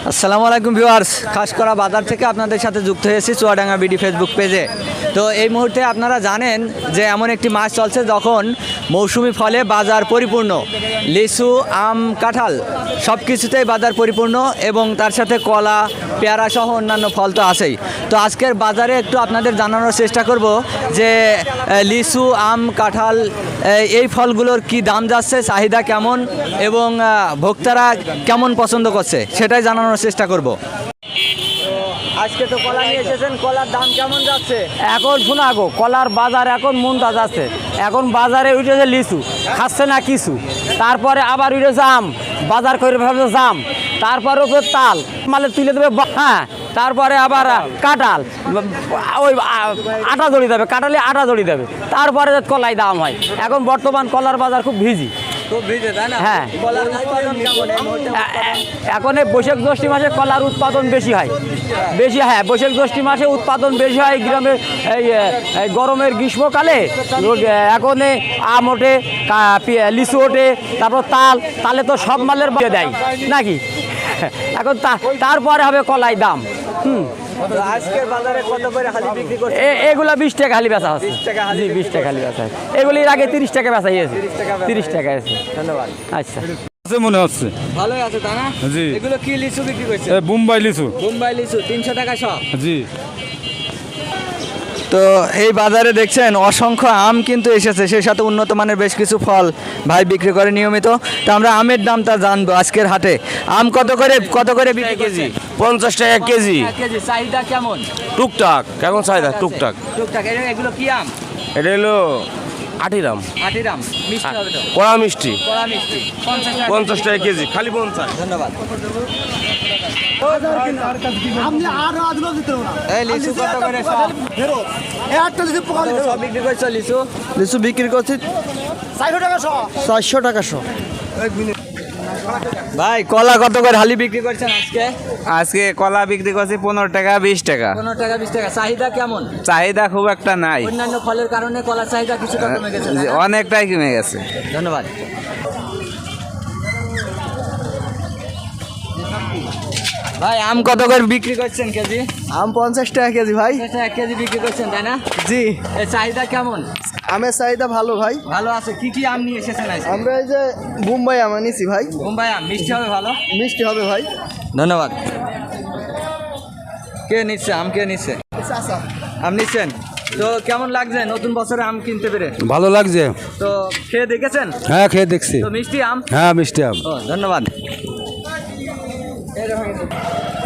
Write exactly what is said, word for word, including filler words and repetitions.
আসসালামু আলাইকুম ভিউয়ার্স, খাসকরা বাজার থেকে আপনাদের সাথে যুক্ত হয়েছি চুয়াডাঙ্গা বিডি ফেসবুক পেজে। তো এই মুহূর্তে আপনারা জানেন যে এমন একটি মাস চলছে যখন মৌসুমি ফলে বাজার পরিপূর্ণ। লিচু, আম, কাঁঠাল সব কিছুতেই বাজার পরিপূর্ণ এবং তার সাথে কলা, পেয়ারা সহ অন্যান্য ফল তো আছেই। তো আজকের বাজারে একটু আপনাদের জানানোর চেষ্টা করব যে লিচু, আম, কাঁঠাল এই ফলগুলোর কি দাম যাচ্ছে, চাহিদা কেমন এবং ভোক্তারা কেমন পছন্দ করছে সেটাই জানানোর চেষ্টা করব। আজকে তো কলা নিয়ে এসেছেন, কলার দাম কেমন যাচ্ছে? এখন শোনা গো, কলার বাজার এখন মন্দা যাচ্ছে। এখন বাজারে উঠেছে লিচু, খাচ্ছে না কিছু। তারপরে আবার উঠেছে আম, বাজার করে ফেলছে জাম। তারপরে ওপরে তাল মালে তুলে দেবে, হ্যাঁ। তারপরে আবার কাঁঠাল, ওই আটা দড়ি দেবে, কাঁঠালে আটা দড়ি দেবে। তারপরে কলাই দাম হয়। এখন বর্তমান কলার বাজার খুব ভিজি। হ্যাঁ, এখন এই বৈশাখ জ্যৈষ্ঠ মাসে কলার উৎপাদন বেশি হয়, বেশি হ্যাঁ বৈশাখ জ্যৈষ্ঠ মাসে উৎপাদন বেশি হয় গ্রামে। এই গরমের গ্রীষ্মকালে এখন আম ওঠে, লিচু ওঠে, তারপর তাল, তালে তো সব মালের দেয় নাকি। এখন তারপরে হবে কলাই দাম। হুম, এগুলা বিশ টাকা হালি বেচা হচ্ছে। জি, বিশ টাকা হালি বেচা। এগুলির আগে তিরিশ টাকা বেচা হয়েছে, তিরিশ টাকা আছে। ধন্যবাদ। আচ্ছা, মনে হচ্ছে ভালোই আছে তা না? জি। এগুলো কি লিচু বিক্রি করছে? বোম্বাই লিচু। বোম্বাই লিচু তিনশো টাকা সব। জি। তো এই বাজারে দেখছেন অসংখ্য আম কিন্তু এসেছে, সেই সাথে উন্নত মানের বেশ কিছু ফল ভাই বিক্রি করে নিয়মিত। তো আমরা আমের দামটা জানবো আজকের হাটে। আম কত করে কত করে বিক্রি কেজি? পঞ্চাশ টাকা কেজি। কেজি চাহিদা কেমন? টুকটাক কেমন চাহিদা? টুকটাক। টুকটাক। এগুলো কি আম? এটা হলো আটিরাম। আটিরাম মিষ্টি হবে তো? কড়া মিষ্টি। কড়া মিষ্টি পঞ্চাশ টাকা। পঞ্চাশ টাকা কেজি, খালি পঞ্চাশ। ধন্যবাদ। এই লিচু কত করে সব? সব বিক্রি করছো লিচু? লিচু বিক্রি করছি চারশো টাকা শো। ভাই কলা কত করে হালি বিক্রি করছেন আজকে? আজকে কলা বিক্রি করছি পনেরো টাকা বিশ টাকা। পনেরো টাকা বিশ টাকা। চাহিদা কেমন? চাহিদা খুব একটা নাই, অন্যান্য ফলের কারণে কলার চাহিদা কিছুটা কমে গেছে, তাই না? অনেকটাই কমে গেছে। ধন্যবাদ। ভাই আম কত করে বিক্রি করছেন কেজি? আম পঞ্চাশ টাকা কেজি ভাই। এক কেজি বিক্রি করছেন তাই না? জি। এর চাহিদা কেমন? আমের চাহিদা ভালো ভাই। ভালো আছে। কি কি আম নিয়ে এসেছেন আজকে? আমরা এই যে বোম্বাই আম আনিছি ভাই। বোম্বাই আম মিষ্টি হবে ভালো? মিষ্টি হবে ভাই। ধন্যবাদ। কে নিচ্ছে আম? কে নিচ্ছে আম? নিচ্ছেন তো কেমন লাগছে নতুন বছরে আম কিনতে পেরে? ভালো লাগছে। তো খেয়ে দেখেছেন? হ্যাঁ, খেয়ে দেখছি। তো মিষ্টি আম? হ্যাঁ, মিষ্টি আম। ও ধন্যবাদ।